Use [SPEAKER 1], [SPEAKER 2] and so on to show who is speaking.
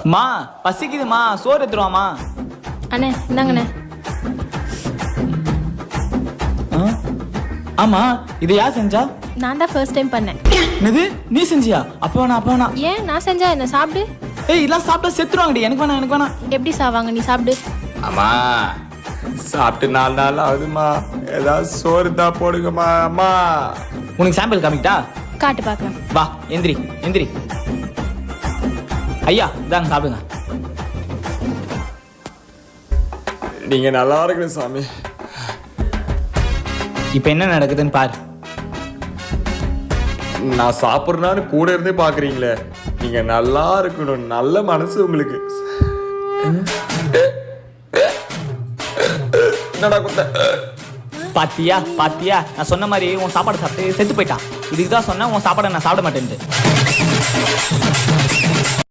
[SPEAKER 1] மா பசிக்குதுமா, சோறு எடுத்துருவாமா.
[SPEAKER 2] அண்ணே இந்தாங்கண்ணே.
[SPEAKER 1] ஆமா, இது யார் செஞ்சா?
[SPEAKER 2] நான் தான் ஃபர்ஸ்ட் டைம் பண்ணேன்.
[SPEAKER 1] என்னது, நீ செஞ்சியா? அப்ப வேணா.
[SPEAKER 2] ஏன் நான் செஞ்சா என்ன? சாப்பிடு.
[SPEAKER 1] ஏய், இதெல்லாம் சாப்பிட்டா செத்துருவாங்கடி. எனக்கு வேணாம்.
[SPEAKER 2] எப்படி சாவாங்க? நீ சாப்பிடு.
[SPEAKER 3] அம்மா சாப்பிட்டு 4 நாள் ஆகுதுமா, ஏதாவது சோறு தான் போடுங்கம்மா. அம்மா
[SPEAKER 1] உனக்கு சாம்பிள் காமிக்கிட்டா?
[SPEAKER 2] காட்டு பார்க்கலாம்.
[SPEAKER 1] வா, எந்திரி. ஐயா இதாங்க சாப்பிடுங்க.
[SPEAKER 3] நீங்க நல்லா இருக்கணும் சாமி.
[SPEAKER 1] இப்ப என்ன நடக்குதுன்னு பாரு.
[SPEAKER 3] நான் சாப்பிட்றேன்னு கூட இருந்தே பாக்குறீங்களே. நீங்க நல்லா இருக்கணும், நல்ல மனசு உங்களுக்கு. என்னடா குத்த?
[SPEAKER 1] பாத்தியா நான் சொன்ன மாதிரி உன் சாப்பாடு சாப்பிட்டு செத்து போயிட்டான். இதுக்கு தான் சொன்னேன் உன் சாப்பாடை நான் சாப்பிட மாட்டேன்ட்டு.